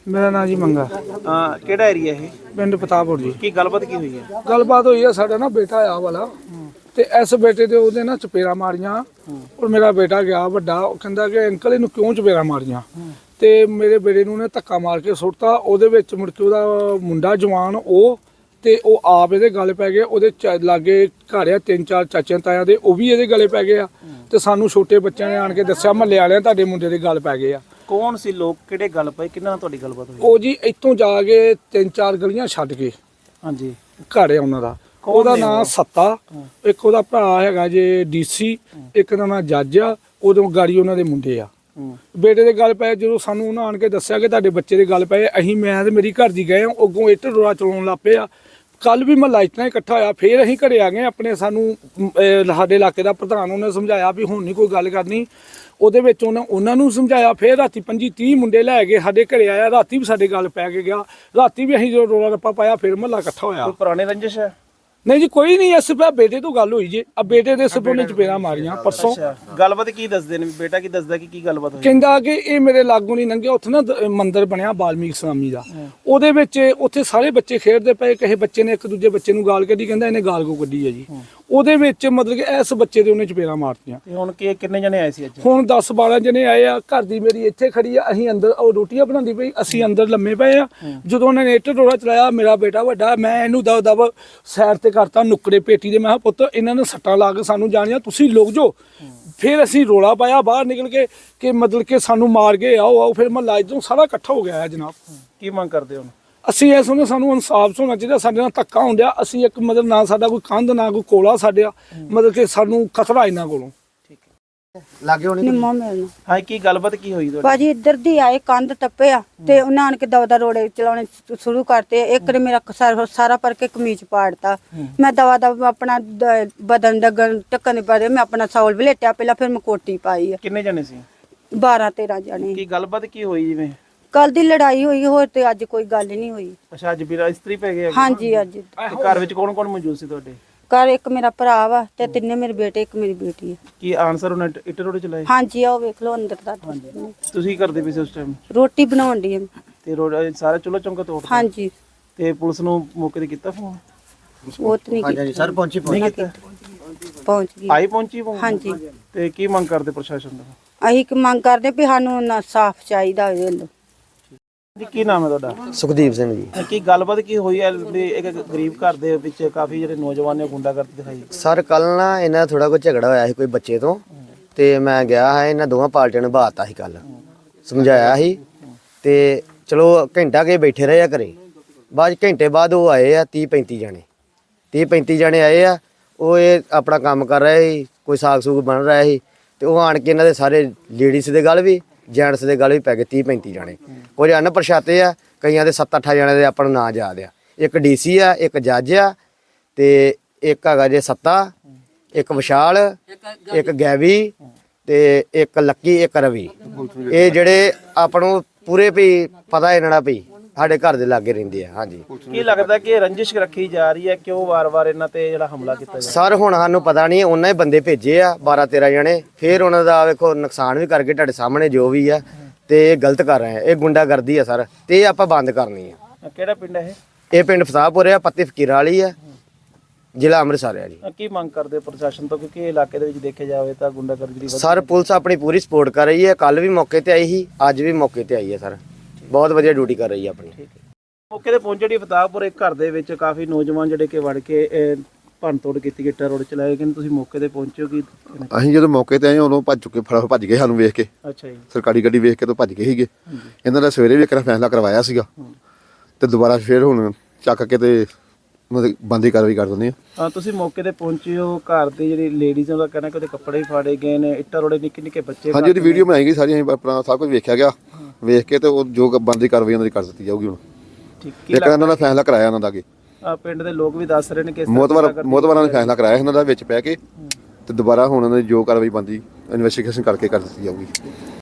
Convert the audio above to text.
ਮੇਰਾ ਨਾਂ ਜੀ ਮੰਗਾ। ਕਿਹੜਾ ਏਰੀਆ ਇਹ? ਪਿੰਡ ਪਤਾਪੁਰ ਜੀ। ਕੀ ਗੱਲਬਾਤ ਕੀ ਹੋਈ ਹੈ? ਗੱਲਬਾਤ ਹੋਈ ਆ, ਸਾਡਾ ਨਾ ਬੇਟਾ ਆ ਵਾਲਾ ਤੇ ਇਸ ਬੇਟੇ ਦੇ ਉਹਦੇ ਨਾ ਚਪੇੜਾ ਮਾਰੀਆਂ ਔਰ ਮੇਰਾ ਬੇਟਾ ਗਿਆ ਵੱਡਾ, ਉਹ ਕਹਿੰਦਾ ਕਿ ਅੰਕਲ ਇਹਨੂੰ ਕਿਉਂ ਚਪੇੜਾ ਮਾਰੀਆਂ ਤੇ ਮੇਰੇ ਬੇਟੇ ਨੂੰ ਨੇ ਧੱਕਾ ਮਾਰ ਕੇ ਸੁੱਟਤਾ। ਉਹਦੇ ਵਿੱਚ ਮੁੜ ਕੇ ਉਹਦਾ ਮੁੰਡਾ ਜਵਾਨ ਉਹ ਤੇ ਉਹ ਆਪ ਇਹਦੇ ਗਲ ਪੈ ਗਏ। ਉਹਦੇ ਲਾਗੇ ਘਰ ਆ 3-4 ਚਾਚਿਆਂ ਤਾਇਆਂ ਦੇ, ਉਹ ਵੀ ਇਹਦੇ ਗਲੇ ਪੈ ਗਏ ਆ ਤੇ ਸਾਨੂੰ ਛੋਟੇ ਬੱਚਿਆਂ ਨੇ ਆਣ ਕੇ ਦੱਸਿਆ ਮਹੱਲੇ ਵਾਲਿਆਂ ਤੁਹਾਡੇ ਮੁੰਡੇ ਦੇ ਗਲ ਪੈ ਗਏ ਆ। ਕੌਣ ਸੀ ਲੋਕ, ਕਿਹੜੇ ਗੱਲ ਪਏ, ਕਿਹਨਾਂ ਨਾਲ ਤੁਹਾਡੀ ਗੱਲਬਾਤ ਹੋਈ? ਉਹ ਜੀ ਇੱਥੋਂ ਜਾ ਕੇ 3-4 ਗਲੀਆਂ ਛੱਡ ਕੇ ਹਾਂਜੀ ਘਰ ਆ ਉਹਨਾਂ ਦਾ। ਉਹਦਾ ਨਾਂ ਸੱਤਾ, ਇੱਕ ਉਹਦਾ ਭਰਾ ਹੈਗਾ ਜੇ ਡੀਸੀ, ਇੱਕ ਦਾ ਨਾਂ ਜੱਜ ਆ, ਉਦੋਂ ਗਾੜੀ ਉਹਨਾਂ ਦੇ ਮੁੰਡੇ ਆ। ਬੇਟੇ ਦੇ ਗੱਲ ਪਏ, ਜਦੋਂ ਸਾਨੂੰ ਉਹਨਾਂ ਆਣ ਕੇ ਦੱਸਿਆ ਕਿ ਤੁਹਾਡੇ ਬੱਚੇ ਦੇ ਗੱਲ ਪਏ, ਅਸੀਂ ਮੈਂ ਤੇ ਮੇਰੀ ਘਰ ਦੀ ਗਏ ਆ, ਅੱਗੋਂ ਇੱਟ ਰੋੜਾ ਚਲਾਉਣ ਲੱਗ ਪਏ ਆ। ਕੱਲ ਵੀ ਮਹੱਲਾ ਇਤਨਾ ਇਕੱਠਾ ਹੋਇਆ, ਫੇਰ ਅਸੀਂ ਘਰੇ ਆ ਗਏ ਆਪਣੇ। ਸਾਨੂੰ ਸਾਡੇ ਇਲਾਕੇ ਦਾ ਪ੍ਰਧਾਨ ਉਹਨੇ ਸਮਝਾਇਆ ਵੀ ਹੁਣ ਨਹੀਂ ਕੋਈ ਗੱਲ ਕਰਨੀ। ਉਹਦੇ ਵਿੱਚ ਉਹਨਾਂ ਨੂੰ ਸਮਝਾਇਆ। ਫੇਰ ਰਾਤੀ 25-30 ਮੁੰਡੇ ਲੈ ਕੇ ਸਾਡੇ ਘਰੇ ਆਇਆ, ਰਾਤੀ ਵੀ ਸਾਡੇ ਗੱਲ ਪੈ ਕੇ ਗਿਆ। ਰਾਤੀ ਵੀ ਅਸੀਂ ਜਦੋਂ ਰੋਲਾ ਰੱਪਾ ਪਾਇਆ ਫੇਰ ਮਹੱਲਾ ਇਕੱਠਾ ਹੋਇਆ। ਕੋਈ ਪੁਰਾਣੇ ਰੰਜਿਸ਼ ਹੈ? ਨਹੀਂ ਜੀ ਕੋਈ ਨਹੀਂ, ਇਸ ਪਿਆ ਬੇਟੇ ਤੋਂ ਗੱਲ ਹੋਈ ਜੇ। ਆ ਬੇਟੇ ਦੇ ਸਿਰ ਉਹਨੇ ਚਪੇੜਾਂ ਮਾਰੀਆਂ ਪਰਸੋਂ। ਗੱਲਬਾਤ ਕੀ ਦੱਸਦੇ ਨੇ? ਬੇਟਾ ਕੀ ਦੱਸਦਾ ਕਿ ਕੀ ਗੱਲਬਾਤ ਹੋਈ? ਕਹਿੰਦਾ ਕਿ ਇਹ ਮੇਰੇ ਲਾਗੋਂ ਨਹੀਂ ਲੰਘਿਆ। ਉੱਥੇ ਨਾ ਮੰਦਿਰ ਬਣਿਆ ਬਾਲਮੀਕ ਸਵਾਮੀ ਦਾ, ਉਹਦੇ ਵਿੱਚ ਉੱਥੇ ਸਾਰੇ ਬੱਚੇ ਖੇਡਦੇ ਪਏ। ਕਿਸੇ ਬੱਚੇ ਨੇ ਇੱਕ ਦੂਜੇ ਬੱਚੇ ਨੂੰ ਗਾਲ ਕੱਢੀ, ਕਹਿੰਦਾ ਇਹਨੇ ਗਾਲ ਕੋ ਕੱਢੀ ਹੈ ਜੀ। ਉਹਦੇ ਵਿੱਚ ਮਤਲਬ ਕਿ ਇਸ ਬੱਚੇ ਦੇ ਉਹਨੇ ਚਪੇੜਾਂ ਮਾਰਤੀਆਂ। ਹੁਣ ਕਿੰਨੇ ਜਣੇ ਆਏ ਸੀ ਅੱਜ? ਹੁਣ 10-12 ਜਣੇ ਆਏ ਆ। ਘਰ ਦੀ ਮੇਰੀ ਇੱਥੇ ਖੜੀ ਆ, ਅਸੀਂ ਅੰਦਰ ਉਹ ਰੋਟੀਆਂ ਬਣਾਉਂਦੀ ਪਈ, ਅਸੀਂ ਅੰਦਰ ਲੰਮੇ ਪਏ ਆ। ਜਦੋਂ ਉਹਨਾਂ ਨੇ ਇੱਟ ਰੋੜਾ ਚਲਾਇਆ, ਮੇਰਾ ਬੇਟਾ ਵੱਡਾ, ਮੈਂ ਇਹਨੂੰ ਦਬ ਸਾਈਡ ਤੇ ਕਰਤਾ ਨੁੱਕੜੇ ਪੇਟੀ ਦੇ। ਮੈਂ ਕਿਹਾ ਪੁੱਤ ਇਹਨਾਂ ਨੇ ਸੱਟਾਂ ਲਾ ਕੇ ਸਾਨੂੰ ਜਾਣੀਆਂ, ਤੁਸੀਂ ਲੁਕ ਜਾਓ। ਫਿਰ ਅਸੀਂ ਰੋਲਾ ਪਾਇਆ ਬਾਹਰ ਨਿਕਲ ਕੇ ਕਿ ਮਤਲਬ ਕਿ ਸਾਨੂੰ ਮਾਰ ਗਏ, ਆਓ। ਫਿਰ ਮਹੱਲਾ ਇੱਧਰੋਂ ਸਾਰਾ ਇਕੱਠਾ ਹੋ ਗਿਆ ਹੈ ਜਨਾਬ। ਕੀ ਮੰਗ ਕਰਦੇ ਹੋ? ਅਸੀਂ ਇਸ ਵੇਲੇ ਸਾਨੂੰ ਇਨਸਾਫ ਹੋਣਾ ਚਾਹੀਦਾ। ਸਾਡੇ ਨਾਲ ਧੱਕਾ ਹੁੰਦਿਆ। ਅਸੀਂ ਇੱਕ ਮਤਲਬ ਨਾ ਸਾਡਾ ਕੋਈ ਕੰਧ ਨਾ ਕੋਈ ਕੋਲਾ ਸਾਡੇ, ਮਤਲਬ ਕਿ ਸਾਨੂੰ ਖਤਰਾ ਇਹਨਾਂ ਕੋਲੋਂ। ਲਾਗੇ ਹੋਣੀ ਨਿੰਮੋ ਮਿਲਣਾ। ਹਾਂ, ਕੀ ਗੱਲਬਾਤ ਕੀ ਹੋਈ ਤੁਹਾਡੀ? ਭਾਜੀ ਇੱਧਰ ਦੀ ਆਏ, ਕੰਧ ਟੱਪਿਆ ਤੇ ਉਹਨਾਂ ਆਣ ਕੇ ਦਵਾ ਰੋੜੇ ਚਲਾਉਣੇ ਸ਼ੁਰੂ ਕਰਤੇ। ਇੱਕ ਨੇ ਮੇਰਾ ਸਾਰਾ ਪਰ ਕੇ ਕਮੀਜ਼ ਪਾੜਤਾ। ਮੈਂ ਦਵਾ ਆਪਣਾ ਬਦਨ ਡਗਣ ਟੱਕਣ ਪਰੇ ਮੈਂ ਆਪਣਾ ਸੌਲ ਵਲੇਟਿਆ ਪਹਿਲਾਂ, ਫਿਰ ਮੈਂ ਕੋਟੀ ਪਾਈ ਆ। ਕਿੰਨੇ ਜਣੇ ਸੀ? 12-13 ਜਣੇ। ਕੀ ਗੱਲਬਾਤ ਕੀ ਹੋਈ? ਜਿਵੇਂ ਕੱਲ ਦੀ ਲੜਾਈ ਹੋਈ, ਹੋਰ ਤੇ ਅੱਜ ਕੋਈ ਗੱਲ ਨਹੀਂ ਹੋਈ। ਅੱਛਾ, ਅੱਜ ਵੀਰਾ ਇਸਤਰੀ ਪੈ ਗਿਆ? ਹਾਂਜੀ ਅੱਜ। ਤੇ ਘਰ ਵਿੱਚ ਕੌਣ ਕੌਣ ਮੌਜੂਦ ਸੀ ਤੁਹਾਡੇ? ਘਰ ਇੱਕ ਮੇਰਾ ਭਰਾ ਵਾ ਤੇ ਤਿੰਨੇ ਮੇਰੇ ਬੇਟੇ, ਇੱਕ ਮੇਰੀ ਬੇਟੀ ਹੈ। ਕੀ ਆਨਸਰ ਉਹਨੇ ਇੱਟ ਰੋੜੇ ਚਲਾਏ? ਹਾਂਜੀ ਆਓ ਵੇਖ ਲਓ ਅੰਦਰ ਦਾ। ਤੁਸੀਂ ਕੀ ਕਰਦੇ ਪਏ ਸੀ ਉਸ ਟਾਈਮ? ਰੋਟੀ ਬਣਾਉਣ ਦੀ। ਤੇ ਰੋੜਾ ਸਾਰਾ ਚੁੱਲ੍ਹਾ ਚੌਂਕਾ ਤੋੜਤਾ? ਹਾਂਜੀ। ਤੇ ਪੁਲਿਸ ਨੂੰ ਮੌਕੇ ਤੇ ਕੀਤਾ ਫੋਨ? ਉਹ ਤੇ ਨਹੀਂ ਹਾਂਜੀ ਸਰ, ਪਹੁੰਚੀ ਪਹੁੰਚ ਗਈ। ਆਈ ਪਹੁੰਚੀ ਫੋਨ? ਹਾਂਜੀ। ਤੇ ਕੀ ਮੰਗ ਕਰਦੇ ਪ੍ਰਸ਼ਾਸਨ ਦਾ? ਅਸੀਂ ਮੰਗ ਕਰਦੇ ਵੀ ਸਾਨੂੰ ਇਨਸਾਫ ਚਾਹੀਦਾ ਹੋਵੇ। ਜੀ ਕੀ ਨਾਮ ਹੈ ਤੁਹਾਡਾ? ਸੁਖਦੀਪ ਸਿੰਘ ਜੀ। ਕੀ ਗੱਲਬਾਤ ਕੀ ਹੋਈ ਹੈ? ਇੱਕ ਗਰੀਬ ਘਰ ਦੇ ਵਿੱਚ ਕਾਫੀ ਜਿਹੜੇ ਨੌਜਵਾਨ ਨੇ ਗੁੰਡਾਗਰਦੀ ਦਿਖਾਈ। ਸਰ ਕੱਲ ਨਾ ਇਹਨਾਂ ਥੋੜਾ ਕੋਈ ਝਗੜਾ ਹੋਇਆ ਸੀ ਕੋਈ ਬੱਚੇ ਤੋਂ, ਤੇ ਮੈਂ ਗਿਆ ਹਾਂ, ਇਹਨਾਂ ਦੋਵਾਂ ਪਾਰਟੀਆਂ ਨੂੰ ਬਾਤਾ ਸੀ, ਕੱਲ ਸਮਝਾਇਆ ਸੀ। ਤੇ ਚਲੋ ਘੰਟਾ ਕੇ ਬੈਠੇ ਰਹੇ ਆ ਘਰੇ। ਬਾਅਦ ਘੰਟੇ ਬਾਅਦ ਉਹ ਆਏ ਆ 30-35 ਜਣੇ। 30-35 ਜਣੇ ਆਏ ਆ। ਉਹ ਇਹ ਆਪਣਾ ਕੰਮ ਕਰ ਰਹੇ ਸੀ, ਕੋਈ ਸਾਗ ਸੂਗ ਬਣ ਰਿਹਾ ਸੀ। ਤੇ ਉਹ ਆਣ ਕੇ ਇਹਨਾਂ ਦੇ ਸਾਰੇ ਲੇਡੀਜ਼ ਦੇ ਗੱਲ ਵੀ ਜੈਂਟਸ ਦੇ ਗੱਲ ਵੀ ਪੈ ਗਏ। 30-35 ਜਣੇ ਕੁਝ ਅਣਪਛਾਤੇ ਆ, ਕਈਆਂ ਦੇ 7-8 ਜਣੇ ਦੇ ਆਪਾਂ ਨੂੰ ਨਾਂ ਯਾਦ ਆ। ਇੱਕ ਡੀਸੀ ਆ, ਇੱਕ ਜੱਜ ਆ, ਤੇ ਇੱਕ ਹੈਗਾ ਜੇ ਸੱਤਾ, ਇੱਕ ਵਿਸ਼ਾਲ, ਇੱਕ ਗੈਵੀ, ਤੇ ਇੱਕ ਲੱਕੀ, ਇੱਕ ਰਵੀ। ਇਹ ਜਿਹੜੇ ਆਪਾਂ ਨੂੰ ਪੂਰੇ ਵੀ ਪਤਾ ਇਹਨਾਂ ਦਾ ਵੀ ਸਾਡੇ ਘਰ ਦੇ ਲਾਗੇ ਰਹਿੰਦੇ ਆ। ਹਾਂਜੀ। ਕੀ ਲੱਗਦਾ ਕਿ ਰੰਜਿਸ਼ ਰੱਖੀ ਜਾ ਰਹੀ ਹੈ? ਕਿਉਂ ਵਾਰ-ਵਾਰ ਇਹਨਾਂ ਤੇ ਜਿਹੜਾ ਹਮਲਾ ਕੀਤਾ ਜਾ ਰਿਹਾ? ਸਰ ਹੁਣ ਸਾਨੂੰ ਪਤਾ ਨਹੀਂ, ਉਹਨਾਂ ਹੀ ਬੰਦੇ ਭੇਜੇ ਆ 12-13 ਜਣੇ, ਫਿਰ ਉਹਨਾਂ ਦਾ ਵੇਖੋ ਨੁਕਸਾਨ ਵੀ ਕਰਕੇ ਤੁਹਾਡੇ ਸਾਹਮਣੇ ਜੋ ਵੀ ਆ, ਤੇ ਇਹ ਗਲਤ ਕਰ ਰਹੇ ਆ। ਇਹ ਗੁੰਡਾਗਰਦੀ ਆ ਸਰ, ਤੇ ਇਹ ਆਪਾਂ ਬੰਦ ਕਰਨੀ ਆ। ਕਿਹੜਾ ਪਿੰਡ ਹੈ ਇਹ ਪਿੰਡ ਫਸਾਪੁਰ ਆ, ਪੱਤੀ ਫਕੀਰਾਂ ਵਾਲੀ ਆ, ਜ਼ਿਲ੍ਹਾ ਅੰਮ੍ਰਿਤਸਰ ਆ ਜੀ। ਕੀ ਮੰਗ ਕਰਦੇ ਪ੍ਰਸ਼ਾਸਨ ਤੋਂ? ਕਿਉਂਕਿ ਇਹ ਇਲਾਕੇ ਦੇ ਵਿੱਚ ਦੇਖਿਆ ਜਾਵੇ ਤਾਂ ਗੁੰਡਾਗਰਦੀ ਦੀ ਸਰ ਪੁਲਿਸ ਆਪਣੀ ਪੂਰੀ ਸਪੋਰਟ ਕਰ ਰਹੀ ਹੈ। ਕੱਲ ਵੀ ਮੌਕੇ ਤੇ ਆਈ ਸੀ, ਅੱਜ ਵੀ ਮੌਕੇ ਤੇ ਆਈ ਹੈ ਸਰ। ਬਹੁਤ ਵਧੀਆ ਡਿਊਟੀ ਕਰ ਰਹੀ ਹੈ ਆਪਣੀ। ਮੌਕੇ ਤੇ ਪਹੁੰਚੇ ਜਿਹੜੀ ਫਤਾਹਪੁਰ ਇੱਕ ਘਰ ਦੇ ਵਿੱਚ ਕਾਫੀ ਨੌਜਵਾਨ ਜਿਹੜੇ ਕਿ ਵੜ ਕੇ ਭੰਨ ਤੋੜ ਕੀਤੀ, ਇੱਟਾਂ ਰੋਡ ਚਲਾਏ। ਕਿ ਤੁਸੀਂ ਮੌਕੇ ਤੇ ਪਹੁੰਚੇ ਹੋ? ਕੀ ਅਸੀਂ ਜਦੋਂ ਮੌਕੇ ਤੇ ਆਏ ਉਦੋਂ ਭੱਜ ਚੁੱਕੇ, ਭੱਜ ਗਏ ਸਾਨੂੰ ਵੇਖ ਕੇ। ਅੱਛਾ ਜੀ। ਸਰਕਾਰੀ ਗੱਡੀ ਵੇਖ ਕੇ ਤਾਂ ਭੱਜ ਗਏ ਸੀਗੇ। ਇਹਨਾਂ ਦਾ ਸਵੇਰੇ ਵੀ ਇੱਕ ਫੈਸਲਾ ਕਰਵਾਇਆ ਸੀਗਾ, ਤੇ ਦੁਬਾਰਾ ਫੇਰ ਹੁਣ ਚੱਕ ਕੇ ਤੇ ਮਤਲਬ ਬੰਦੀ ਕਾਰਵਾਈ ਕਰ ਦਿੰਦੇ ਆ। ਤੁਸੀਂ ਮੌਕੇ ਤੇ ਪਹੁੰਚੇ ਹੋ, ਘਰ ਦੀ ਜਿਹੜੀ ਲੇਡੀਜ਼ ਦਾ ਕਹਿਣਾ ਕਿ ਉਹਦੇ ਕੱਪੜੇ ਵੀ ਫਾੜੇ ਗਏ ਨੇ, ਇੱਟਾਂ ਰੋੜੇ ਨਿੱਕੇ ਬੱਚੇ। ਹਾਂਜੀ, ਉਹਦੀ ਵੀਡੀਓ ਬਣਾਈ ਗਈ ਸਾਰੀ, ਅਸੀਂ ਆਪਣਾ ਸਭ ਕੁਝ ਵੇਖਿਆ ਗਿਆ। ਵੇਖ ਕੇ ਤੇ ਉਹ ਜੋ ਬੰਦੀ ਕਾਰਵਾਈ ਉਹਨਾਂ ਦੀ ਕਰ ਦਿੱਤੀ ਜਾਊਗੀ। ਹੁਣ ਇੱਕ ਇਹਨਾਂ ਦਾ ਫੈਸਲਾ ਕਰਾਇਆ ਉਹਨਾਂ ਦਾ ਅੱਗੇ। ਪਿੰਡ ਦੇ ਲੋਕ ਵੀ ਦੱਸ ਰਹੇ ਨੇ ਕਿ ਮੋਤਵਾਰਾਂ ਨੇ ਫੈਸਲਾ ਕਰਾਇਆ ਇਹਨਾਂ ਦਾ ਵਿੱਚ ਪੈ ਕੇ, ਤੇ ਦੁਬਾਰਾ ਹੁਣ ਉਹਨਾਂ ਦੀ ਜੋ ਕਾਰਵਾਈ ਬੰਦੀ ਇਨਵੈਸਟੀਗੇਸ਼ਨ ਕਰਕੇ ਕਰ ਦਿੱਤੀ ਜਾਊਗੀ।